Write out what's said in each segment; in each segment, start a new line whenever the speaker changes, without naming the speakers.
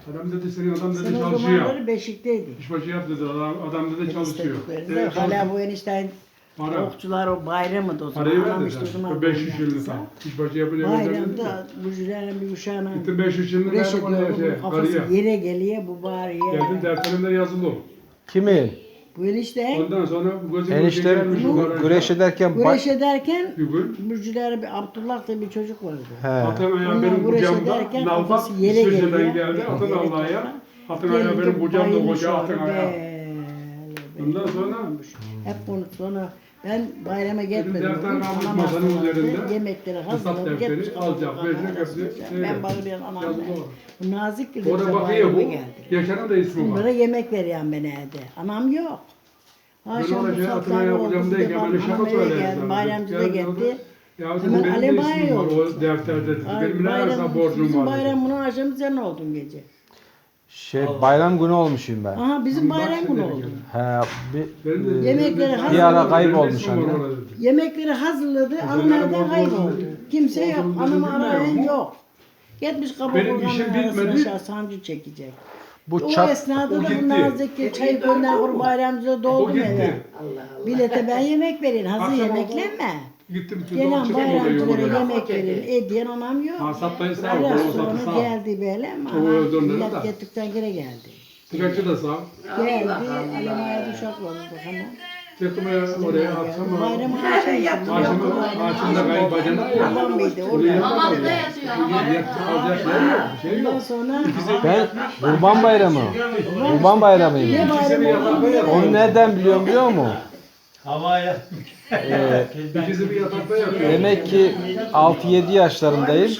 Adam dedi senin adam dedi
Sen o
çalışıyor.
zamanları Beşik'teydin.
İşbaşı yap dedi adam dedi çalışıyor. Evet,
Hala bu enişten
Para.
okçular o bayramıydı o zaman.
Parayı
Anam
ver
işte o
dedi.
zaman
500 yılını
yaptıysa.
tam. İşbaşı yapınca ben dedim.
Bayramda bu jülerin bir uşağına
Gittim 500 yılını
güreş
verdim
ediyor.
oraya şey,
Bu kafası
karıya.
yere geliyor bu bari
Geldim
yere.
defterimde yazılı.
Kimin?
Bu enişte
Ondan sonra gözüm
Eniştem
gelmiş o garajda.
güreş ederken
güreş ederken
Bir gün
Burcular bir Abdullah diye bir çocuk vardı.
He.
atın ayağı
Ondan
benim
güreş
kucağımda.
ederken
Nalbat
kafası yere
İsviçre'den
geliyor.
geldi. Atın
Yere
Allah'a.
toprağa.
Atın ayağı benim kucağımda
bayılmış
koca atın
orada,
ayağı. Ondan sonra
hep bunu sonra ben bayrama gitmedim.
defter
Bugün
kalmış
anam
masanın
hastalandı.
üzerinde.
Yemekleri
Hesap
hazırladı.
defteri
Gitmiş
alacak,
kapıma
verecek,
arasında.
hepsi
Ben
şeyde,
bağırıyorum anam.
yazılı var.
Bu nazik gibi
Orada
bize
bakıyor
bayrama
bu.
geldi.
Yaşar'ın da ismi
Bunlara
var.
yemek veriyorum ben evde. Anam yok. Akşam
orada
bu
şey
saatlerde
hatırlayan
oldu.
hocamdayken
Bir de
böyle
bak,
şaka
anam eve
söylerdi
geldi.
sana.
Bayramcı da
Geldi orada.
gitti.
Ya dedi
Hemen
benim
Alev
de ismim var
oldu.
o defterde dedi.
Ay,
Benim ne arasında borcum
bizim
var dedi.
bayram bunu akşam sen oldun gece.
Bayram günü olmuşum ben.
Aha bizim
Bak
bayram
şimdi
günü
gel.
oldu.
He,
Benim de-
Yemekleri
benim de-
hazır-
Bir ara kaybolmuş
Benim de ismim var
anne.
orada dedi.
Yemekleri hazırladı, anam evden kayboldu. Kimse yok, anamı arayan yok. Gitmiş kapı
Benim
kurganın
işim
arasına
bitmedi.
aşağı sancı çekecek.
Bu
O
çat
esnada
o
da
gitti.
bu Nazlık çayı gönder kur bayramcıda
O
doldum
gitti.
eve. Bilete ben yemek verin, hazır
Akşam
yemeklenme.
Gittim bütün
Gelen
dolapçıda
bayramcılara
oraya.
yemek verin, ediyen anam yok.
Hasaptayı sağ ol,
Biraz
kolu
sonra
satı sağ ol.
geldi böyle ama
O
anam
öldürdüler
millet
de.
gittikten geri geldi.
Tıraşçı da sağ ol.
Geldi, Alemaya duşak vardı hemen.
Çıktım oraya akşam.
Bayramı
Ağaçımda kayınbacana ya.
Babam mıydı
Oraya
orada?
yapamadım. Alacak yer yok, bir şey
Ondan
yok.
sonra
ben Kurban Bayramı. Kurban Bayramıyım.
ne bayramı oldu?
Onu nereden biliyorum biliyor musun?
Havaya.
İkisi bir yatakta yatıyor.
Demek ki 6-7 yaşlarındayım.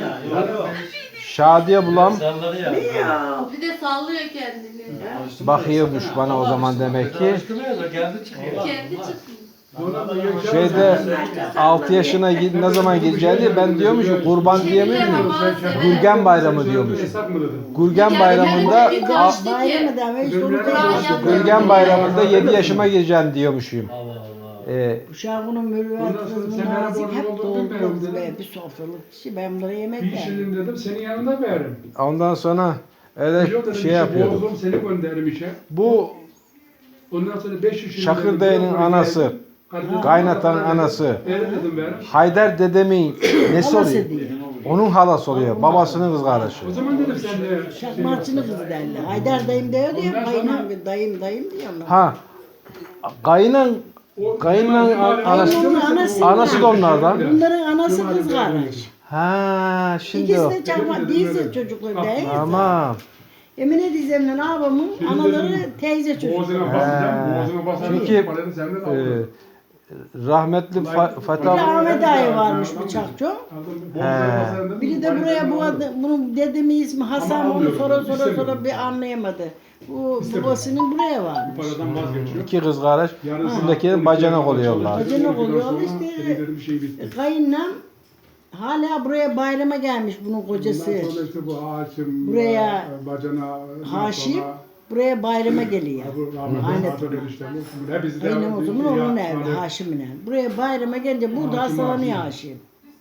Şadiye bulam
Salları ya.
Bir de sallıyor kendini.
bakıyormuş bana o zaman demek ki.
Çalıştırmıyor da kendi çıkıyor.
Kendi çıkıyor.
Sonra da Yaşar-
Şeyde 6 yaşına ne zaman gireceğini ben diyormuş ki kurban diyemiyor muyum? Gürgen Bayramı diyormuş.
Yasak mı dedim?
Gürgen Bayramında
Bayramı da ve işte onu
Gürgen Bayramında 7 yaşıma gireceğim diyormuşum.
Allah Allah.
Uşağının mürüvvet
Ondan sonra
kızının
sen bana
nazik
borcun
hep
olduğunu
doldu
bilmiyorum
kız
dedim.
be. Bir sofralık kişi ben bunlara yemek
Bir
verdim.
kişinin dedim senin yanında veririm.
Ondan sonra
Biliyor
öyle
dedim,
şey
işe
yapıyordum.
boğuldum, seni gönderirim işe.
Bu
Ondan sonra 500 lira
Şakır
dedim,
dayının
buraya
anası,
geldim. Kardeşim,
kaynatan
bana dedim,
anası.
Verin dedim veririm.
Haydar dedemin nesi
Halası
oluyor?
diye.
Onun halası oluyor. Babasının kız kardeşi.
O zaman dedim sen de
Şakmarçılı kızı derler. Haydar dayım diyor diyor.
Ondan
Kayınam
sonra-
dayım diyorlar.
Ha. Kayınan Kayınla anası, anası da onlardan.
Bunların anası kız kardeş.
Ha, şimdi
İkisi
o.
de çakma değilse çocukları değil.
Tamam.
Emine dizemle abamın anaları teyze çocukları.
Boğazına basacağım, boğazına basacağım.
Çünkü
Parayı senden
e,
aldım.
rahmetli
Bir
Fatih
de Ahmet dayı varmış bıçakçı.
Aldım, boğazına basacağım dedim,
Biri de
parayı
buraya
senden
bu
aldım.
bunun dedemin ismi Hasan
Ama
onu
almıyorum,
sonra
istemiyorum.
bir anlayamadı. Bu
İstemiyorum.
babasının buraya
Bu
varmış.
paradan vazgeçiyor.
iki kız kardeş
Yarın
üstündekilerin
saat
bacanak
12'ye
oluyorlar.
kadar
Bacanak
çalışıyor.
oluyor,
Ondan sonra
işte.
dedikleri bir şey bitti.
Kayınlam hala buraya bayrama gelmiş bunun kocası.
Ondan sonra işte bu Haşim,
Buraya
bacana,
Haşim buraya bayrama geliyor. Aynen. Kayınlam o zaman onun evi Haşim'in evi. Buraya bayrama gelince burada
Haşim,
hastalanıyor
Haşim.
Haşim.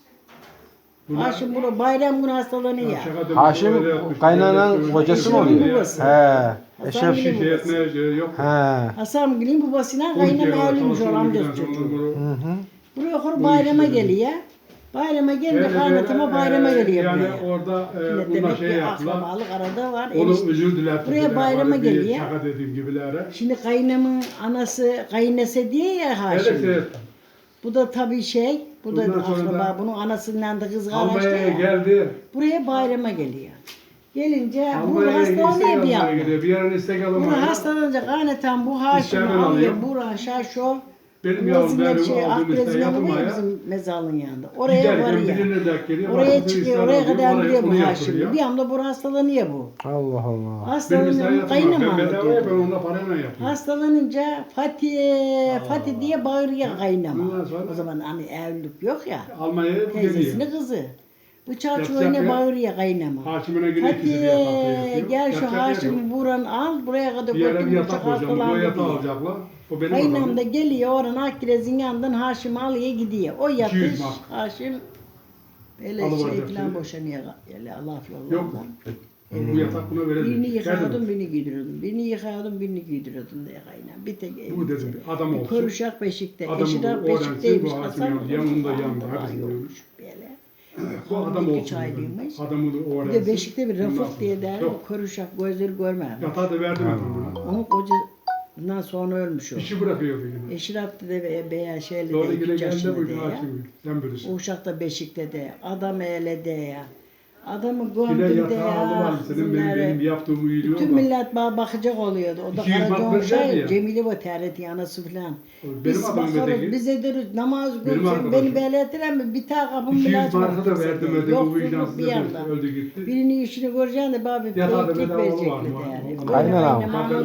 Haşim burada bayram günü hastalanıyor.
Haşim kaynananın kocası mı oluyor?
Babası.
He. Eşref.
Hasan
Şey
Gül'ün
etmeye şey yok.
He.
Hasan Gül'ün babasıyla kaynama evliymiş o amcası çocuğu. Buraya okur bayrama geliyor. Bayrama gelince kaynatıma bayrama geliyor
Yani
buraya.
orada
Yine
bunlar
demek
şey
ki
yaptılar.
akrabalık arada var.
Onu
Enişte.
özür dilerim.
Buraya bayrama geliyor.
Şaka dediğim gibilere.
Şimdi kaynamın anası kaynese diye ya Haşim.
Evet.
Bu da tabii şey, bu da
Bundan sonra
akraba,
da
bunun anasından da kız
Almanya'ya
kardeşti ya.
geldi.
Buraya bayrama geliyor. Gelince bu
Almanya'ya
hastalanıyor
istek
bir
almaya
anda.
gidiyor. Bir yerine istek
Bunu
almaya.
hastalanınca kaynatan bu Haşim'i
İşlerden
alıyor,
alıyor.
Buran, Şaşo.
Benim yavrum benim
şey,
aldığım isteği
Akbrezine var ya
yapmaya.
bizim mezarlığın yanında. Oraya
Giderken
varıyor.
birine denk geliyor.
Oraya
başkasının
çıkıyor,
isteğini
oraya
alıyor,
kadar gidiyor
onu
bu
yaptırıyor.
Haşim. Bir anda bu hastalanıyor bu.
Allah Allah.
Benim isteği
Hastalanınca
yapmam.
kaynama
Ben bedava
anlatıyor.
yapıyorum. Onunla parayla yapıyorum.
Hastalanınca Fatih diye bağırıyor kaynama.
Ondan sonra-
O zaman hani evlilik yok ya.
Almanya'ya bu geliyor.
Teyzesinin kızı. Bıçağı
Yapacak
çuvalına
ya.
bağırıyor kaynama.
Haşim'ine güne ikisi bir yatakta
Fatih
yatıyor.
gel şu
Yapacak yer yok.
Haşim'i buran al buraya kadar
Bir yere bir
götür
yatak
bıçak
koyacağım. Bu
hastalandı
yatağı
diye.
alacaklar. O benim
Kaynam
adamım.
da geliyor oradan Akkiraz'ın yanından Haşim'i alıyor gidiyor. O
200
yatış
mark.
Haşim öyle
Alıverecek
şey falan
şimdi.
boşanıyor. Öyle laf
Yok.
yollardan.
Bu yatak buna verelim.
Birini
Geldi
yıkıyordum,
mi?
birini giydiriyordum. Birini yıkıyordum, birini giydiriyordum diye kaynağım. Bir tek
Bu dedim bir adam olsun.
Koruşak beşikte.
Adamı
Eşirap
bu öğrensin,
beşikteymiş.
bu hakim
Hasan
yanında, yanında,
Hasan
yanında,
da
hepsini
yokmuş böyle.
Bu adam
İki
olsun.
çaylıymış.
dedim. Adamı da
Bir
öğrensin.
de beşikte bir
Ondan
Rafık
sonra-
diye der.
Yok.
O koruşak gözleri görmem.
Yatağı da verdim adamına.
Onun kocasından sonra ölmüş o.
İşi bırakıyordu yine.
Eşirap de veya şeyle
Doğru
de
yine
2
geldi
yaşında
bu
de ya.
hakim. Sen bilirsin.
O uşak da beşikte de. Adam ele de ya. Adamı
Yine
gömdüm de
yatağı
ya.
alıver senin benim yaptığımı iyiliği
Bütün
ama.
millet bana bakacak oluyordu. O da
200
Karaca
mark verecek
Şahin,
ya.
Cemile bu TRT anası filan.
Benim
Biz
adamım
bakarız,
öteki.
biz ederiz, namaz
Benim
kılsın,
arkadaşım.
beni belirtiren mi? Bir tane kapım bile
200
açmadı
marka da
kimse
verdim
de.
ödedi. Bu
Yoksulluk
vicdansız
bir yandan.
öldü gitti.
Birinin işini göreceksin de bana bir
Yatağı da
peylik
bedava
verecekler
var mı?
yani.
Aynen abi.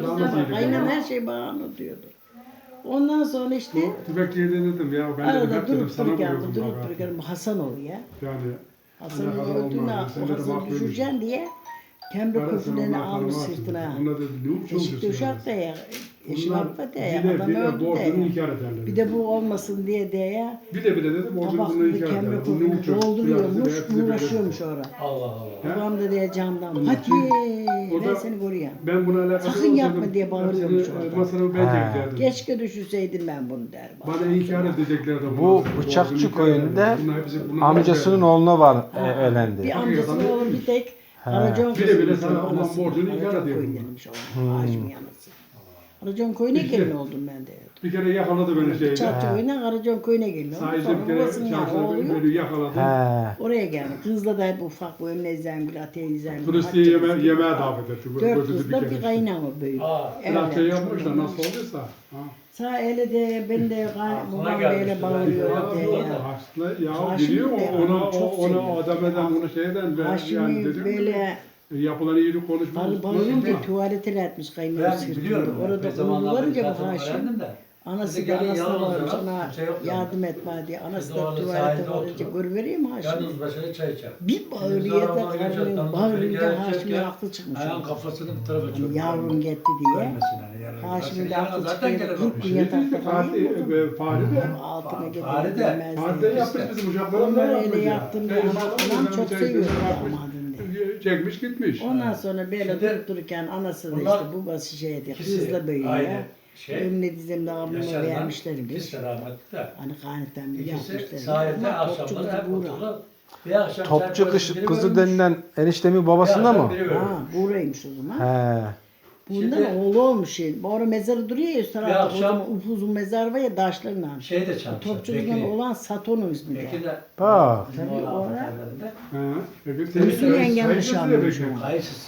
Aynen her şey bana anlatıyordu. Ondan sonra işte
Tüfek yedi dedim ya ben de
arada
hep dedim
durup
sana
dururken,
vuruyordum.
durup
bak.
dururken bu Hasanoğlu ya.
Yani
Hasan'ın
alakalı
öldüğünde
olmaz. Sen de
o Hasan'ı
bakıyormuş.
düşüreceksin diye Kemre köprülerini almış sırtına.
Onlar dedi ne uçuyorsun?
Eşikte uşak da ya. Eşin
Bunlar
affet de ya.
bir de
Adam öldü de
borcunu
ya.
inkar ederler.
Bir de bu olmasın diye de ya.
Bir de dedi borcunu bunu
Tabaklı
inkar
kemre
ederler. Bu ne
köprünü
uçuyor?
dolduruyormuş,
Hepsini böyle-
uğraşıyormuş orada.
Allah Allah.
Babam da diye camdan.
Onun
Hadi
için- O
ben
da-
seni koruyayım.
Ben buna alakalı
Sakın yapma diye bağırıyormuş orada.
Masrafı ben çektirdim.
Keşke düşünseydim ben bunu der.
Bana inkar edecekler de
Bu Bıçakçı köyünde amcasının oğluna var ölendi.
Bir amcasının oğlu bir tek Aracon
Bir de bile sana olan borcunu inkar ediyor.
Haşim yanısı. Aracon köyüne gelin oldum ben de.
Bir kere yakaladı beni şeyde.
Çarçı köyüne Aracon köyüne geliyor.
Sahilde
Sonra
bir kere
babasının yanı
çarşıda
oğlu yok.
beni yakaladı.
He.
Oraya geldi. Kızla da hep ufak bu Emine Zengül, Atiye Zengül.
Turistiye yemeğe davet etti.
Dört
Gözü
kızla bir
kere.
kaynama büyük.
Biraz şey yapmış da nasıl olduysa. Ha.
Sağ ele de ben de babam böyle bağırıyor diye ya.
Aslında ya
Haşim
biliyor
de
ona
çok
ona
seviyor.
adam eden onu şeyden ben yani
Haşim'i
dedim.
böyle
Yapılan iyilik konuşmamız.
bağırınca tuvaletine etmiş kaynama
Ben
sırtında.
biliyorum.
Orada
zamanlar
kullanınca bu
zaten
Haşim.
öğrendim de.
Anası
Dedi,
da
gelin
anasına
yalnız
varmış
ya,
ona
kimse yok
yardım etme diye. Anası
Biz
da
orada
tuvalete
sahilde
varınca
oturup,
görüvereyim Haşim.
Yalnız başına çay içer.
Bir bağırıyor da karnı bağırınca Haşim'in aklı çıkmış.
Ayağın
orada.
kafasını bu tarafa çöktü.
Yavrum gitti diye. Haşim'in de aklı çıkıyor. 40 gün yatakta kalıyor.
Fahri de.
Altına
Fahri
getirdi
de-
bilmez
Fahri de
diye.
yapmış bizim uşaklarımla
Onları
yapmış
öyle
ya.
yaptım diye anam çok seviyordu damadını.
Çekmiş gitmiş.
Ondan sonra böyle
Şimdi
durup dururken anası da
bunlar
işte babası şeydi,
ikisi
kızla büyüyor.
aynı şey.
Önüne dizimde abime
Yaşarlar.
vermişlermiş.
İkisi rahmetli de.
Hani kanıktan bir
İkisi
yapmışlar.
sahilde
Ama topçu
akşamları
kızı
hep
Buğra.
oturdu. Bir akşam
Topçu
biri
kızı
ölmüş,
denilen eniştemin babasında
bir akşam
mı?
biri ölmüş.
Ha, Buğra'ymış o zaman.
He.
Bundan
Şimdi-
oğlu olmuş şey. Orada mezarı duruyor ya üst tarafta. O
akşam-
zaman upuzun mezar var ya taşlarla.
Şey de çalmışlar.
Topçuluktan olan Sato'nun ismi de.
Peki de
Bak.
bizim
Tabii
oğlan
orada-
haberlerinde
Ha. Peki
Hüsnü
senin
yengem
saygısız
nişanlıymış
demek.
onu.
kayısısı.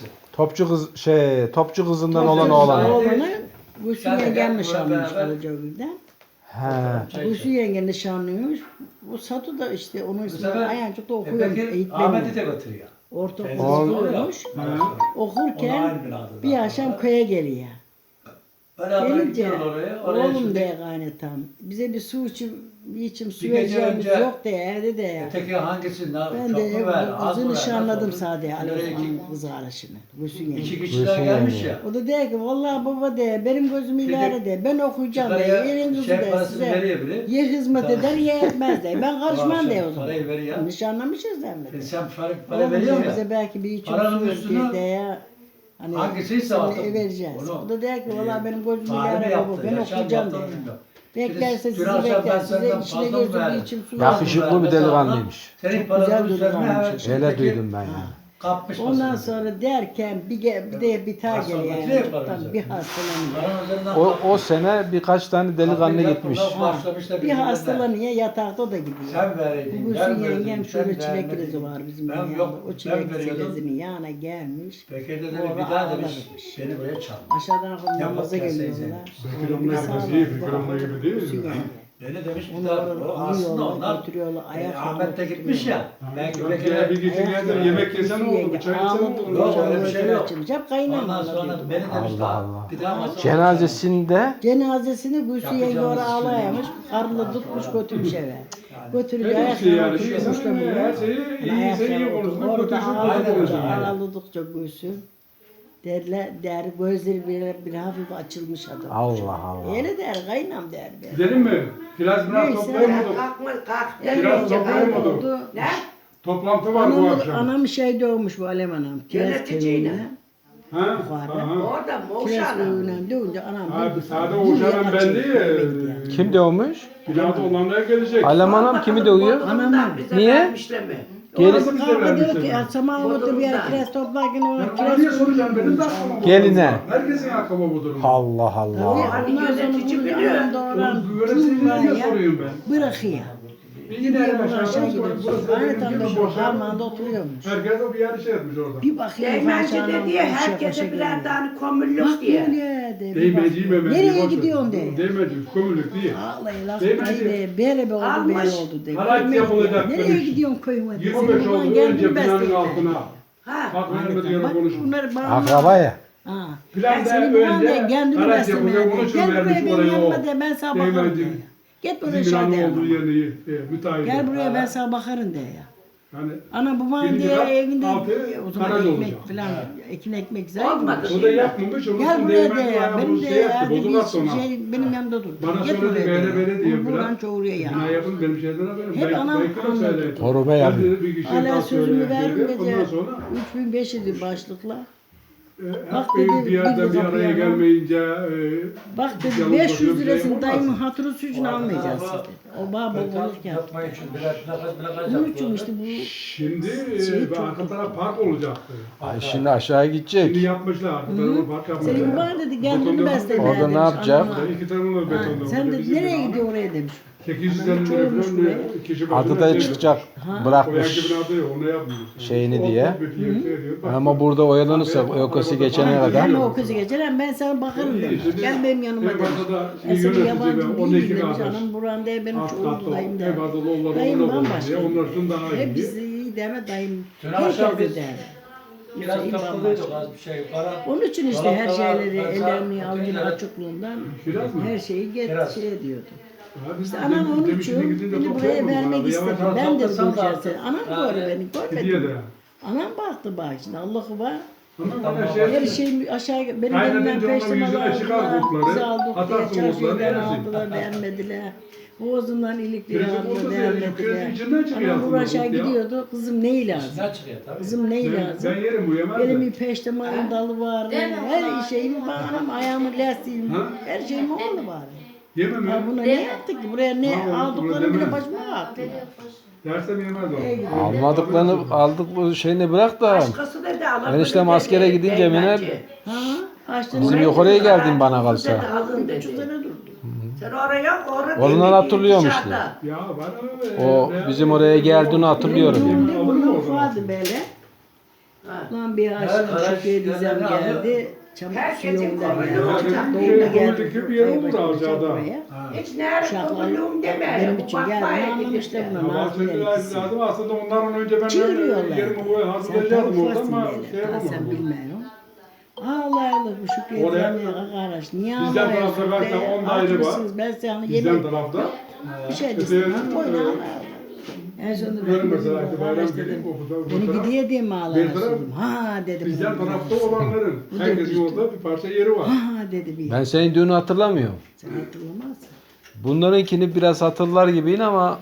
Topçu kızından olan oğlan.
Oğlanı Hüsnü
Sen de
yengem
gel,
nişanlıymış
beraber.
Karacagül'den.
He.
Çay
Hüsnü
içer.
yenge nişanlıymış. Bu Satu da işte onun ismi
sefer
Ayancık'ta okuyor.
Peki
Eğitmeni.
Ahmet'i de götürüyor.
Ortaokul
Oğlum.
okuyormuş.
Ha.
Onu
Okurken
aynı binada
bir
zaten.
akşam köye geliyor.
Beraber
Gelince
gidiyorlar oraya. Oraya
oğlum
şimdi
de gaynetam. Bize bir su içim su
Bir gece
vereceğimiz
önce-
yok de evde de ya.
öteki hangisi?
Ben
Çok
de
mu ver?
bu
Az
kızı
mı ver?
nişanladım
Nasıl
sadece
oldu? Nereye iki-
Ali kız kardeşini. Gülsün yenge.
İki kişiler
Gülsün
gelmiş
yani.
ya.
O da diyor ki vallahi baba de benim gözüm
Şimdi
idare de ben okuyacağım de
Yukarıya
yerin kızı
şey
de
parasını
size
veriyor biri.
yer hizmet eder yer etmez de ben karışmam de o zaman.
Parayı veriyor.
Nişanlamışız da mi?
Sen para veriyor ya.
Bize belki bir içim
Paranın
su
üstünü
ver de ya. Hani
hangisiyse
seni
artık
vereceğiz.
onu,
O da diyor ki vallahi benim gözüm
Fahri mi
idare baba
yaptı?
ben
Yaşar
okuyacağım
yaptı,
de.
onu bilmiyorum.
Beklerse
Şimdi
sizi
dün akşam
bekler
ben
size
senden
içine
fazla
gözüm
verdim.
içim su
Yakışıklı
verdim.
bir delikanlıymış.
Senin
Çok
paranın
güzel
üzerine
delikanlıymış.
Öyle duydum ben ya.
Kapmış
Ondan
masasını.
sonra derken bir de bir tane
Hastalık
geliyor.
diye
Yani.
para
Tabii
üzerine.
bir hastalanıyor.
Paranın üzerinden
O sene birkaç tane delikanlı gitmiş.
Başlamışlar
Bir
birbirine.
hastalanıyor yatakta o da gidiyor.
Sen vereydin.
Bu
ben
Gülsün
verdim,
yengem
sen
şöyle çilek
vermedin.
krizi var bizim
Ben
yanında.
yok,
O
ben
çilek
veriyordum.
krizinin yanına gelmiş.
Bekir de dedi
Orada
bir daha demiş
ağlamış.
beni buraya çağır.
Aşağıdan
Ya
namaza
bak ya
geliyorlar.
Bekir onunla gibi değil, Bekir onunla gibi değil
Gülsün
mi?
yenge.
Beni demiş bir
Onu
daha
orada
o aslında
alıyorlar,
onlar
götürüyorlar, ayak
Ahmet de
falan
gitmiş ya. Belki
Bekir'e
Bekir'e
bir gece geldi yemek yesen oldu, çay içsen oldu.
Yok, öyle bir şey yok.
Açılmış. Hep kaynama
ondan sonra
anlatıyordu.
beni demiş
Allah
daha
Allah.
bir daha masaya
Cenazesinde
Cenazesini Gülsün yenge
Yapacağımız
oraya
için
ağlayamış. Karnı tutmuş götürmüş eve. Götürünce
Her şey yani,
ayaklarına
şey
oturmuş da
her şeyi iyi, sen iyi konuştun,
Orada
kötü şu
Aynen öyle.
konuşuyorsun yani.
ağladıkça Gülsün. Der gözleri bir hafif açılmış adam.
Allah Allah.
Öyle der, kaynam der.
Gidelim mi? Biraz
Neyse.
toplayamadık.
Kalkma kalk.
Biraz
Öylece
toplayamadık.
oldu.
Ne?
Toplantı var bu akşam.
Anam şey doğmuş bu Alem anam. Kiraz
Yöneticiyle.
köyüne.
Ha?
Yukarıda.
Aha.
Orada
Kiraz
Moğuşan'a.
köyüne doğunca anam.
Abi
bir-
sade
bir
Oğuzhan'ın
yana
ben
çekti,
değil.
gitmedi yani.
Kim doğmuş?
Binada olanlar gelecek.
Alem Hanım kimi dövüyor?
Anamdan bize
Niye?
vermişler mi?
Gelin.
Orası bize
Kavga diyor
vermişler.
ki ya Sama otur bir yer kiraz toplarken o
Ben
kiraz
niye soracağım benim de aklıma bu
Geline.
durum. Herkesin aklıma bu durum.
Allah Allah.
Hani
Ondan sonra
yönetici
bunu
biliyor.
anam doğuran
Yöneticiyle niye soruyorum ben?
bırakıyor.
Bir
Gidiyor
gidelim
buradan
aşağıdan
aşağı
sonra
gidiyor.
burası da
Aynı
benim
tam da
gibi
bu
boş yer.
harmanda oturuyormuş.
Herkes o bir yer şey etmiş orada.
Bir bakıyor
Değmenci
aşağıdan
de diye
koşa
herkese
koşa
birer
geliyor.
tane kömürlük
Bak
diye.
diye de. bir
Değmeci
bakıyor.
memeci.
Nereye
boş ver.
gidiyorsun diye.
Değmeci, kömürlük değil.
Vallahi laf
Değmeci.
de bere be oldu
Almış.
bere oldu de.
Haraç
Görmek
yapılacak
diye. Nereye
demiş.
gidiyorsun köyüme? de?
25
Senin baban
oldu
gel
önce
bir
binanın
besleyin.
altına.
Ha.
Bak vermedi
Bak
yere konuşun.
bunları bana.
Akraba ya.
Ha.
Planda
Senin baban
önce
de kendini
haraç
beslemeye
yapılacak,
de.
onun için
Gel
vermiş
buraya benim
oraya o.
yanıma de ben sana bakarım de.
Değmeci.
Git buraya
Bizim
şey de.
binanın olduğu yerini müteahhit.
Gel buraya ben sana bakarım de ya.
Hani
Ana baban
Birinci
diye
kat,
evinde
altı
o zaman
garaj
ekmek
olacak.
falan ekin ekmek zayıf.
Olmadı.
o da yapmamış. Onun
Gel
için
buraya de
değmeci
ya.
bayağı
Benim
bunu
de
şey yaptı.
ya
Bozulmaz
bir
sonra.
şey benim yanımda dur.
Bana
Git
söyledi
buraya de.
böyle diye
Buradan
biraz.
çoğuruya ya.
Bina yapın benim şeyden haberim.
Hep anam anladı.
Torba
Ben
yapıyor.
dedi bir kişi
Hala
daha
sözümü
söyleyeyim
verdim
dedi.
gece.
Ondan sonra
3500'dü başlıkla. Bak
hep
dedi,
bir yerde
bir
bir araya
kapıya lan.
gelmeyince
Bak dedi
yalnız
500
bakıyorum, şey
lirasını
yapamaz.
dayımın hatırı suçunu almayacağız dedi. O baba olurken.
Yapmayı için birer plakas
Bunun için işte bu
şimdi
Şey
ve arka taraf park olacaktı.
Ay şimdi aşağı
Şimdi
gidecek.
yapmışlar. Arka tarafı park yapmışlar.
senin baban dedi kendini
Betonda
besle.
Orada
demiş
ne yapacak?
anama.
İki tarafında
Ha,
betonda.
sen de
Bizim
nereye
bina.
gidiyor oraya demiş.
850 lira
çoğulmuş
falan
buraya.
kişi başına
Adı da
şey-
çıkacak.
O yanki
Bırakmış
binada yok, onu yapmıyor.
şeyini
O
diye.
bir şey diyor. Bak,
Ama burada oyalanırsa o kası geçene kadar.
Hem o kızı geçer hem ben sana bakarım demiş. Gel benim yanıma
en
demiş.
fazla da
Eski
yönetici
yabancı
ve
değil
12
demiş.
kardeş.
Anam buran diye benim
Alt
çoğuldu
katta
dayım
en
der.
fazla onları
Dayım
ona koyuyor.
bambaşka.
Onlardan daha iyi.
Hepsi iyi deme dayım.
Dün akşam
Herkes
biz
der.
biraz
Hüseyin
kapalıydık
bambaşka.
az bir şey yukarı.
Onun için işte her
Dolaptalar,
şeyleri
ben
ellerini
sağ-
avucunu
ötekileri-
açıklığından
Kiraz mı?
her şeyi
Kiraz.
şey diyordu.
Abi
İşte
demin-
anam onun
demin
için
şimdi gidince
beni
çok
buraya
sormadım
vermek
abi.
istedi.
Yavaş
Ben de
toplasan
duracağım
da
seni. Anam
artık-
doğru beni
gidiyor
görmedi.
da.
Anam baktı bak şimdi Allah'ı var.
Tamam
Tamam.
bana
Her
şey.
şey aşağı benim
Kaynatınca
elimden
onun
peştemalı
yüzüne çıkar
aldılar.
kurtları,
Bizi aldık
atarsın
diye
kurtları,
çarşıdan
yersin.
aldılar vermediler. Boğazından ilikleri
Kırıcı kurtu
aldılar
diye,
vermediler.
kırıcı içinden çıkıyor
Anam
aslında
bu aşağı
kurt ya.
gidiyordu. Kızım neyi lazım?
İçinden çıkıyor tabii.
Kızım neyi lazım?
Ben yerim uyuyamaz
Benim
da.
bir peştemalın dalı var.
Değil mi?
Her şeyim bağlam, ayağımın lastiğim,
Ha?
her şeyim oğlu var.
Yemem
Ya
ya.
buna
Değil
ne
mi?
yaptık ki? Buraya ne
Ha, onu
aldıklarını bile
demem.
başıma attılar.
Dersem yemez o.
Almadıklarını aldık bu şeyini bırak da.
Başkası dedi alın.
Eniştem
dedi,
askere gidince
değmenci.
Miner-
Ha? Açtın
Bizim
orayı.
yukarıya
Oraya
geldin bana
dedi,
kalsa.
alın dedi.
300 lira durdu.
Sen oraya orada
Ondan
değil,
hatırlıyorum işte.
dışarıda.
Ya bana
O bizim oraya geldiğini hatırlıyorum.
Benim
Alır
düğünde
mı
bundan
o zaman?
ufadı böyle.
Ha.
Lan bir
Evet,
aşkım
araç
şükür dizem
yerlerini alıyor.
geldi. Çabuk
Herkesin
suyundan
kolunu
geldi.
olacak.
Doğumda geldi.
Komik bir yer olur
Aybaşı'nda
aşağıda.
buraya.
Hiç nerede
Uşaklar
kovuluyorum deme.
benim
Bu
için geldi.
bakmaya
Anlamışlar
gidip de.
buna.
Ya
Nazlı
bahçede
elbise.
lazım aslında ondan önce ben
Çığırıyorlar.
yerimi
Sen
hazırlayacaktım orada
ufaksın
ama
böyle.
şey
Daha sen
yapamadım.
bilmiyorum. Allah Allah bu Şükrü
Oraya-
Ezrami'ye kardeş. Niye
Bizden
ağlıyorsun
tarafta zaten
be?
10 daire var.
Açmışsınız, ben sana
Bizden
yemek
tarafta.
bir şey
Öte
desin.
yandan,
Oyna
evet.
Allah. En sonunda ben
Görün
dedim
mesela işte bayram
kardeş
gelip
dedim.
o
Beni
taraf.
gidiyor diye mi
Bir
ağlıyorsun
taraf
dedim. Ha dedi.
Bizden
bana.
tarafta olanların.
Bu da
Herkesin
işte.
orada bir parça yeri var.
Ha dedi bir.
Ben senin düğünü hatırlamıyorum.
Sen hatırlamazsın.
Bunlarınkini biraz hatırlar gibiyim ama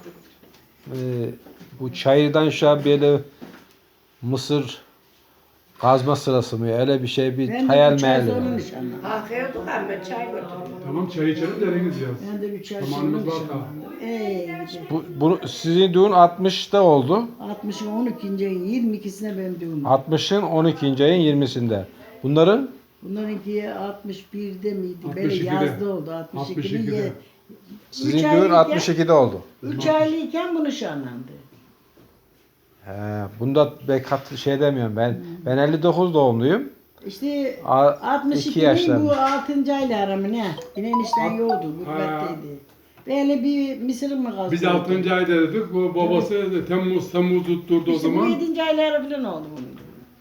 bu çayırdan şu böyle mısır kazma sırası mı? Öyle bir şey bir
Ben de
hayal
3 ay
meyal.
sonra nişanlandım.
Kalkıyorduk ama çay götürdüm.
Tamam çay içelim deriniz yaz.
Ben de 3 ay sonra
Zamanımız var daha.
nişanlandım. Gidi.
Bu sizin düğün 60'ta oldu.
60'ın 12. ayın 22'sine benim düğünüm.
60'ın 12. ayın 20'sinde. Bunların
Bunlarınki 61'de miydi? Böyle
62'de.
yazda oldu. 62'de.
62'de.
sizin düğün 62'de oldu.
3 aylıyken bu nişanlandı.
He, bunda bekat şey demiyorum ben. Ben 59 doğumluyum.
İşte
A- 2 yaşlarında.
bu 6. ayla aramı ne? Yine enişten yoktu,
Ha.
gurbetteydi. Böyle bir mısırım mı kaldı?
Biz 6. ayda dedik. Bu babası Temmuz tutturdu o
İşte bu
zaman.
7. aylara falan oldu bunun.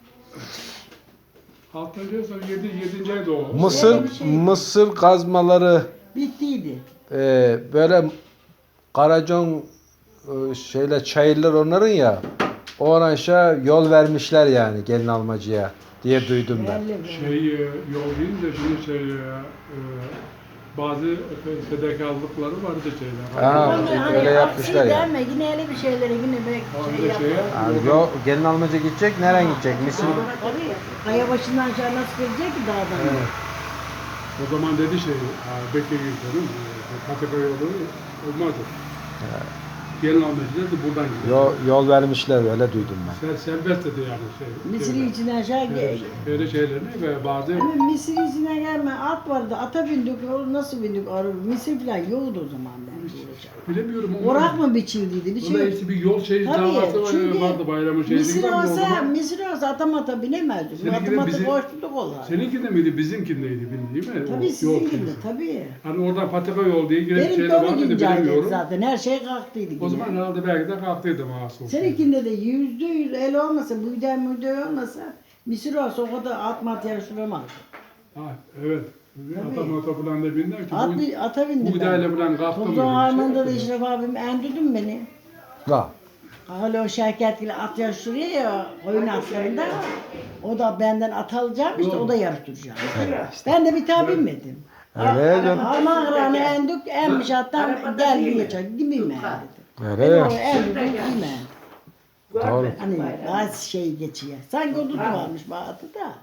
6. ay sonra 7. ayda o.
Mısır
bir şey.
mısır kazmaları
Bittiydi.
böyle Karacon şeyle çayırlar onların ya. O aşağı yol vermişler yani gelin almacıya diye duydum ben.
Belli bu.
Yol değil de şimdi bazı fedakarlıkları vardı şeyler.
Ha,
Onlar
öyle yapmışlar
aksi
ya.
Deme, yine öyle bir şeyleri yine
Öyle
şey
şey
yapar.
Yani yok, gelin almaca gidecek, nereye gidecek? Misin?
Tabii. Kaya başından aşağı nasıl gelecek ki dağdan?
Evet.
O zaman dedi şey, Bekir Gülkan'ın Patika yolu olmazdı. Gelin almacı dedi buradan gidiyor.
Yol vermişler, öyle duydum ben.
Serbest dedi yani şey.
Misri içine aşağı gel.
Böyle şeylerini ve bazı
Ama Misri içine gelme. At vardı. Ata bindik. O nasıl bindik? Misir falan yoktu o zaman ben.
bilemiyorum ama.
Orak mı biçildiydi? Bir şey
Onda
yok.
işte bir yol şeyi
Tabii,
davası
çünkü
vardı bayramın şeyi.
Misir olsa atamata binemezdik.
Seninki de
Atamata
bizi-
koştuk olar.
Seninki de miydi bizimkindeydi değil mi?
Tabii
O
sizin
yol
gibi
şeysi.
tabii.
Hani oradan Patika yol diye giren
Benim de
şeyler
onu
vardı
gincaydı
bilemiyorum.
zaten. Her şey kalktıydı.
O
yine.
zaman herhalde belki de kalktıydım asıl.
Seninkinde de %100 el olmasa, müde olmasa Misir olsa o kadar at mat yarıştıramaz.
Ha, evet. Ata falan da binler ki.
Ata bindim
Bu idare falan kalktı mı?
Tuzla Harman'da da İşref abim endürdün beni.
Ha.
Hala o Şevket ile at yarıştırıyor ya oyun atlarında. O da benden at alacağım işte o da yarıştıracağım. Ben de bir tabi binmedim.
Öyle canım.
Harman kıranı endük emmiş attan gel bir geçer. Gibiyim ben dedim.
Öyle
Ben
ya.
o endürdüm gibiyim.
Doğru.
Hani bazı şey geçiyor. Sanki o varmış Bahat'ı da.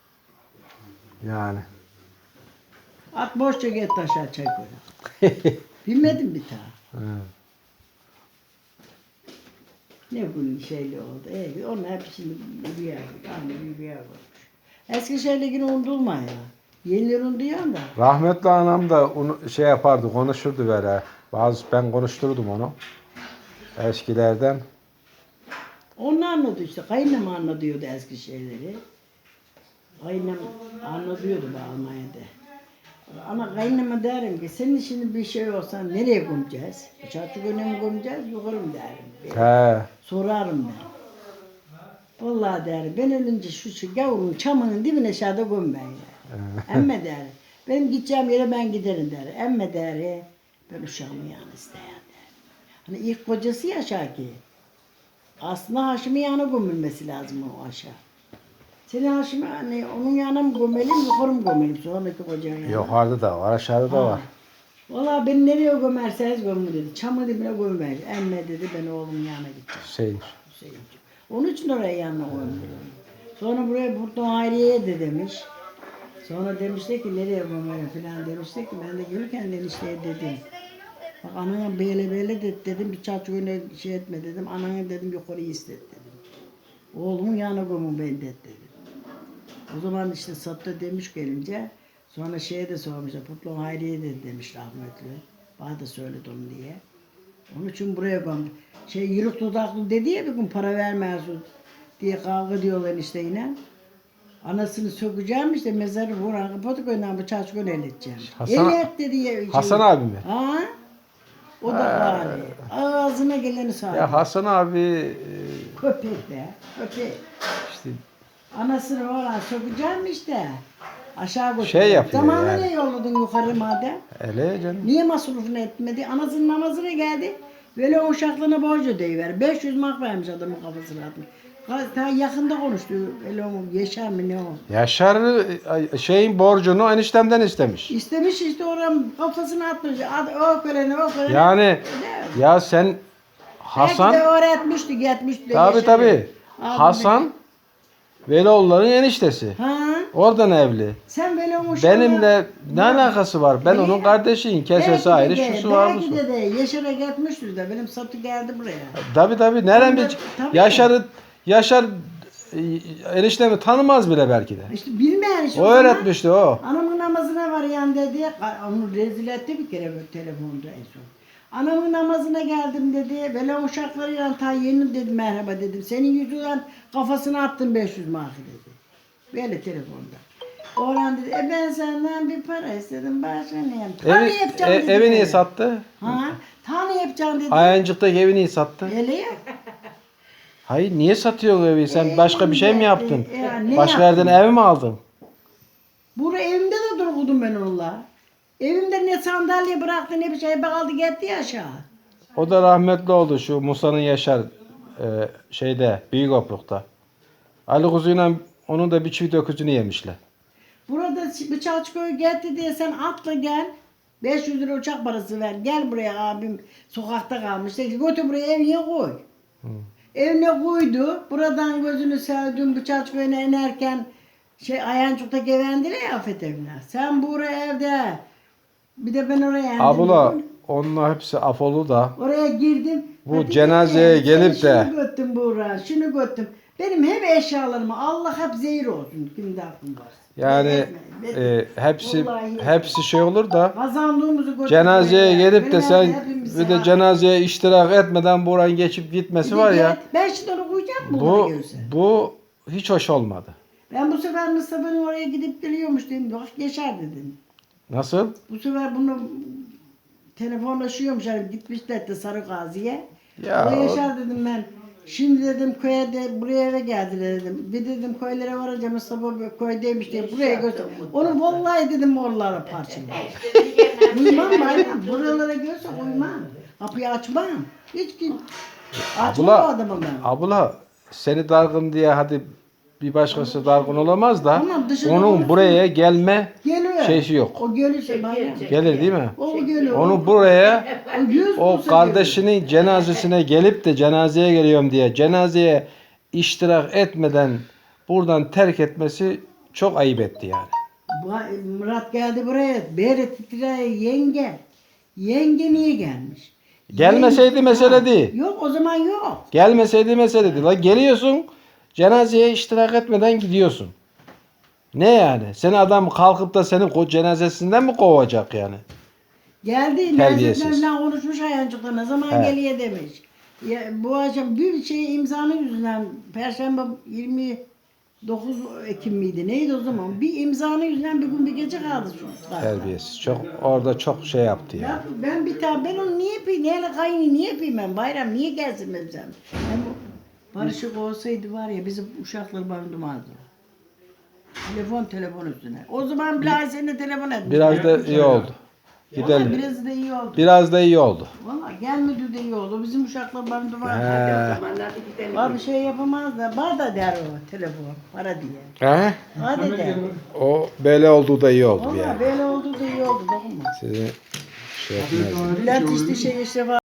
Yani.
At boşça git aşağı çay koy. Bilmedim bir daha.
Evet.
Ne gün şeyli oldu. Onun hepsini rüya, aynı rüya olmuş. Eski şeyle yine unutulma ya. Yenileri unutuyor da.
Rahmetli anam da onu şey yapardı, konuşurdu böyle. Ben konuşturdum onu. Eskilerden.
Onu anladı işte. Kayınım anlatıyordu eski şeyleri. Kayınım anlatıyordu bu Almanya'da. Ama kayınıma derim ki senin şimdi bir şey olsa nereye gömeceğiz? Çarçuk öne mi gömeceğiz? Yukarı mı derim.
He.
Sorarım ben. Vallahi derim ben ölünce şu gavurun çamının dibine aşağıda göm ben ya. Emme derim. Benim gideceğim yere ben giderim derim. Emme derim. Ben uşağımı yani isteyen derim. Hani ilk kocası ya Şaki. Aslında Haşim'in yanına gömülmesi lazım o aşağı. Senin Haşim'i hani onun yanına mı gömelim, yukarı mı gömelim? Sonraki kocanın yanına.
Yukarıda da var, aşağıda da var.
Valla beni nereye gömerseniz gömün dedi. Çamı dibine gömmeyin. Emme dedi ben oğlumun yanına gideceğim.
Şey.
Hüseyin'ciğim. Onun için oraya yanına koymuş. Sonra buraya Burton Hayriye'ye de demiş. Sonra demişler ki nereye gömelim falan demişler ki ben de gelirken enişteye dedim. Bak anana böyle dedim bir çarçı öyle şey etme dedim. Anana dedim yukarı istet dedim. Oğlumun yanına gömün ben dedim. O zaman işte Sattı demiş gelince sonra şeye de sormuşlar. Burton Hayriye de demiş rahmetli. Bana da söyledi onu diye. Onun için buraya gömdüm. Yürük dudaklı dedi ya bir gün para vermezsin diye kavga diyorlar işte yine. Anasını sökeceğim işte mezarı vuran kapatık önden bıçağı çıkın el edeceğim.
Hasan-
El et dedi ya.
Hasan abi mi?
Ha? O da gari. Ağzına geleni sağlıyor.
Ya Hasan abi
Köpek be. Köpek.
işte
Anasını vuran sökeceğim işte. Aşağı götürdüm.
Şey yapıyor
Zamanı
yani.
ne yolladın yukarı madem?
öyle canım.
Niye masrafını etmedi? Anasının namazına geldi. Böyle o uşaklığına borç ödeyiver. 500 mark vermiş adamın kafasına atmış. Ta yakında konuştu. Öyle o Yaşar mı ne o?
Yaşar şeyin borcunu eniştemden istemiş.
İstemiş işte oranın kafasına atmış. O körene o körene.
Yani ya sen
Belki
Hasan
de öğretmişti, gitmişti.
tabi
Yaşar'ı.
tabi
Abim
Hasan Velioğulların eniştesi.
Ha?
Oradan evli.
Sen böyle o uşakla...
Benimle ne alakası var? Ben onun kardeşiyim. Kesesi ayrı, şusu var busu.
Belki de Yaşar'a gitmiştir de benim Satı geldi buraya.
Tabi nereden
Tabii.
bir Yaşar eniştemi tanımaz bile belki de.
İşte bilmeyen işte.
O
zaman
öğretmişti o.
Anamın namazına var yan dedi. Onu rezil etti bir kere böyle telefonda en son. Anamın namazına geldim dedi. Böyle uşaklarıyla ta yeni dedi merhaba dedim. Senin yüzünden kafasına attım 500 markı dedi. Böyle telefonda. Orhan dedi ben senden bir para istedim. Başka ne yapayım? Tanı yapacağım dedi.
Evi niye
böyle.
sattı?
Ha? Tanı yapacağım dedi.
Ayancık'taki evi niye sattı?
Öyle ya.
Hayır niye satıyorsun evi? Sen başka bir şey mi yaptın?
Ne
Başka
yaptım?
yerden ev mi aldın?
Burada evimde de durdum ben onunla. Evimde ne sandalye bıraktı ne bir şey kaldı gitti ya aşağı.
O da rahmetli oldu şu Musa'nın Yaşar şeyde Büyük Opruk'ta. Ali Kuzu'yla onun da bir çift öküzünü yemişler.
Burada bıçak çıkıyor gitti diye sen atla gel. 500 lira uçak parası ver. Gel buraya abim sokakta kalmış. Dedi, götür buraya evine koy. Evine koydu. Buradan gözünü sevdim bıçak köyüne inerken Ayancık'ta gevendire ya Afet evine. Sen buraya evde. Bir de ben oraya indim.
Abla onlar hepsi afolu da.
Oraya girdim.
Bu
Hadi
cenazeye
gel,
gelip de-
Şunu götürdüm Buğra, şunu götürdüm. Benim hep eşyalarımı Allah hep zehir olsun. Kimde aklım var.
Yani hepsi şey olur da
Kazandığımızı götürdüm.
cenazeye gelip de sen
Hepimize
bir de
ha.
cenazeye iştirak etmeden buradan geçip gitmesi
Bir de
var ya.
gel, ben şimdi onu koyacağım mı?
Bu bu hiç hoş olmadı.
Ben bu sefer Mustafa'nın oraya gidip geliyormuş dedim. Bak geçer dedim.
Nasıl?
Bu sefer bunu telefonlaşıyormuş. Yani gitmişler de Sarı Gazi'ye.
Ya
Oraya
o-
yaşar dedim ben. Şimdi dedim köye de buraya eve geldiler dedim. Bir dedim köylere varacağım Mustafa köydeymiş diye buraya götür. Onu vallahi dedim oralara parçalayayım. Uymam bayram. Buralara görse uymam. Kapıyı açmam. Hiç kim. Açmam o adamı ben.
Abla seni dargın diye hadi bir başkası dargın olamaz da
Tamam, dışarı
onun
olursun.
buraya gelme
Geliyor.
şeysi yok.
O gelirse bayram.
Gelir değil mi?
O geliyor.
Onu buraya
O yüz
o
bulsa
kardeşinin cenazesine gelip de cenazeye geliyorum diye cenazeye iştirak etmeden buradan terk etmesi çok ayıp etti yani.
Murat geldi buraya. Beri titreye yenge. Yenge niye gelmiş?
Gelmeseydi
Yenge-
mesele
Ha,
değil.
Yok o zaman yok.
Gelmeseydi mesele değil. La geliyorsun cenazeye iştirak etmeden gidiyorsun. Ne yani? Seni adam kalkıp da senin cenazesinden mi kovacak yani?
Geldi.
Terbiyesiz.
Nerede konuşmuş Ayancık'ta ne zaman
He.
geliyor demiş. Ya, bu akşam bir şey imzanın yüzünden Perşembe 29 Ekim miydi? Neydi o zaman? Bir imzanın yüzünden bir gün bir gece kaldı şu.
Terbiyesiz. Çok orada çok şey yaptı ya.
Ya ben bir tane ben onu niye yapayım? Neyle kaynı niye yapayım ben? Bayram niye gelsin benim sen? Ben bu barışık olsaydı var ya bizim uşaklar barındırmazdı. Telefon üstüne. O zaman bile seninle telefon etmiş.
Biraz da iyi oldu.
Vallahi
Gidelim.
biraz da iyi oldu.
Biraz da iyi oldu.
Valla gelmedi de iyi oldu. Bizim uşaklar barındırmazdı.
He.
Zamanlarda gidelim.
Var bir şey yapamaz da. Var da der o telefon. Para diye.
He?
Hadi der.
O böyle olduğu da iyi oldu
Valla
yani.
böyle oldu da iyi oldu. Dokunma.
Sizi şey yapmaz.
Bülent işte